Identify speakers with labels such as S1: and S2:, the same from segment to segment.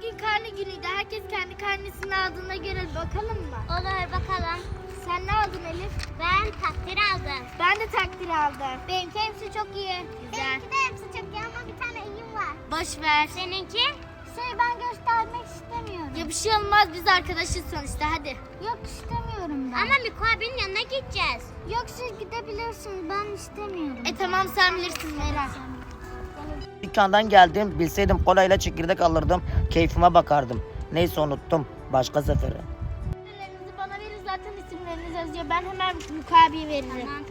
S1: bugün karne günüydü. Herkes kendi karnesini aldığına göre bakalım mı?
S2: Olur bakalım.
S1: Sen ne aldın Elif?
S2: Ben takdir aldım.
S1: Ben de takdir aldım.
S2: Benimki hepsi çok iyi.
S1: Güzel.
S2: Benimki de hepsi çok iyi ama bir tane iyim var.
S1: Boş ver.
S2: Seninki? Ben göstermek istemiyorum.
S1: Ya bir şey olmaz, biz arkadaşız sonuçta, hadi.
S2: Yok istemiyorum ben. Ama Miko abinin yanına gideceğiz. Yok siz gidebilirsiniz, ben istemiyorum.
S1: Tamam, sen bilirsin Meral.
S3: Dükkandan geldim. Bilseydim kolayla çekirdek alırdım. Keyfime bakardım. Neyse unuttum. Başka sefere.
S1: İsimlerinizi bana verin, zaten isimleriniz yazıyor. Ben hemen Mukabi'ye veririm.
S2: Tamam.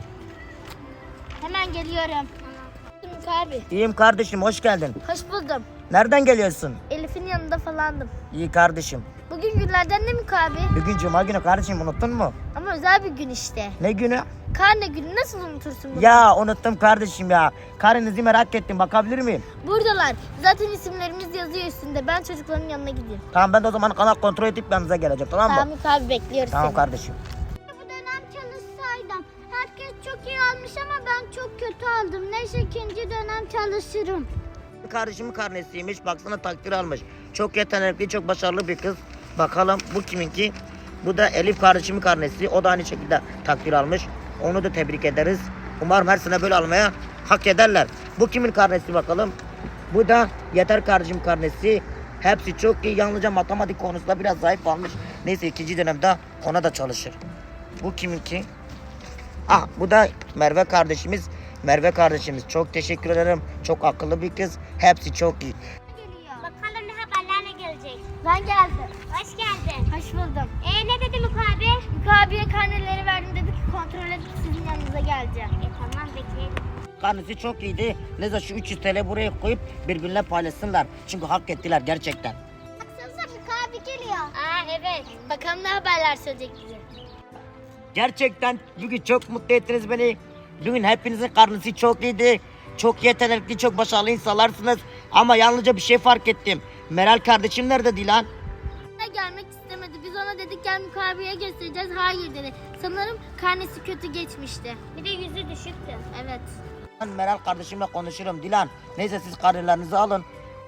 S1: Hemen geliyorum. Mukabi.
S3: İyiyim kardeşim, hoş geldin.
S1: Hoş buldum.
S3: Nereden geliyorsun?
S1: Elif'in yanında falandım.
S3: İyi kardeşim.
S1: Bugün günlerden ne Mukabi?
S3: Bugün cuma günü kardeşim, unuttun mu?
S1: Ama özel bir gün işte.
S3: Ne günü?
S1: Karne günü, nasıl unutursun bunu?
S3: Ya unuttum kardeşim ya. Karınızı merak ettim, bakabilir miyim?
S1: Buradalar. Zaten isimlerimiz yazıyor üstünde. Ben çocukların yanına gideyim.
S3: Tamam, ben de o zaman kanal kontrol edip yanınıza geleceğim, tamam mı?
S1: Tamam Mukabi, bekliyoruz
S3: Tamam
S1: seni.
S3: kardeşim.
S2: Bu dönem çalışsaydım. Herkes çok iyi almış ama ben çok kötü aldım. Neyse ikinci dönem çalışırım.
S3: Kardeşimin karnesiymiş, baksana takdir almış. Çok yetenekli, çok başarılı bir kız. Bakalım bu kiminki? Bu da Elif kardeşimin karnesi. O da aynı şekilde takdir almış. Onu da tebrik ederiz. Umarım her sene böyle almaya hak ederler. Bu kimin karnesi bakalım? Bu da Yeter kardeşim karnesi. Hepsi çok iyi. Yalnızca matematik konusunda biraz zayıf almış. Neyse ikinci dönemde ona da çalışır. Bu kiminki? Ah, bu da Merve kardeşimiz. Merve kardeşimiz, çok teşekkür ederim. Çok akıllı bir kız. Hepsi çok iyi.
S2: Geliyor. Bakalım ne haberlerle gelecek.
S1: Ben geldim.
S2: Hoş geldin.
S1: Hoş buldum.
S2: Ne dedi Miko abi?
S1: Mukabi'ye karneleri verdim, dedi ki kontrol edip sizin yanınıza geleceğim.
S2: Tamam bekleyelim.
S3: Karnesi çok iyiydi. Neyse şu 300 TL buraya koyup birbirine paylaşsınlar. Çünkü hak ettiler gerçekten.
S2: Baksanıza Miko abi geliyor.
S1: Evet. Bakalım ne haberler söyleyecek bize.
S3: Gerçekten bugün çok mutlu ettiniz beni. Bugün hepinizin karnesi çok iyiydi. Çok yetenekli, çok başarılı insanlarsınız. Ama yalnızca bir şey fark ettim. Meral kardeşim nerede Dilan?
S1: Gelmek istemedi. Biz ona dedik gel Mukabi'ye göstereceğiz. Hayır dedi. Sanırım karnesi kötü geçmişti.
S2: Bir de yüzü düşüktü.
S1: Evet.
S3: Ben Meral kardeşimle konuşurum Dilan. Neyse siz karnelerinizi alın.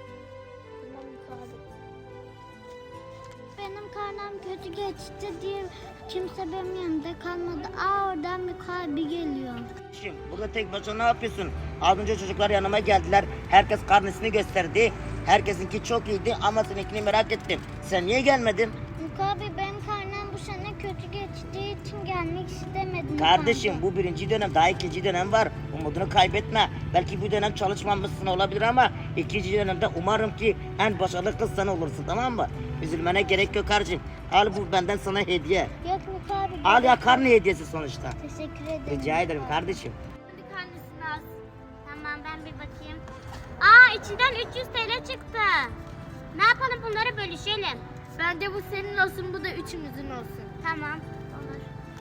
S2: Benim karnım kötü geçti diye kimse benim yanımda kalmadı. Oradan Miko abi geliyor.
S3: Şimdi burada tek başına ne yapıyorsun? Az önce çocuklar yanıma geldiler. Herkes karnesini gösterdi. Herkesinki çok iyiydi ama seninkini merak ettim. Sen niye gelmedin?
S2: Miko abi benim karnım bu sene kötü geçtiği için gelmek istemedim.
S3: Kardeşim bu birinci dönem, daha ikinci dönem var. Umudunu kaybetme. Belki bu dönem çalışmamışsın olabilir ama ikinci dönemde umarım ki en başarılı kız sen olursun, tamam mı? Üzülmene gerek yok kardeşim. Al, bu benden sana hediye.
S2: Yok Miko abi.
S3: Al ya, karne hediyesi sonuçta.
S2: Teşekkür ederim.
S3: Rica ederim kardeşim.
S1: Hadi karnesini al.
S2: Tamam ben bir bakayım. İçinden 300 TL çıktı. Ne yapalım bunları bölüşelim.
S1: Bence bu senin olsun, bu da üçümüzün olsun.
S2: Tamam.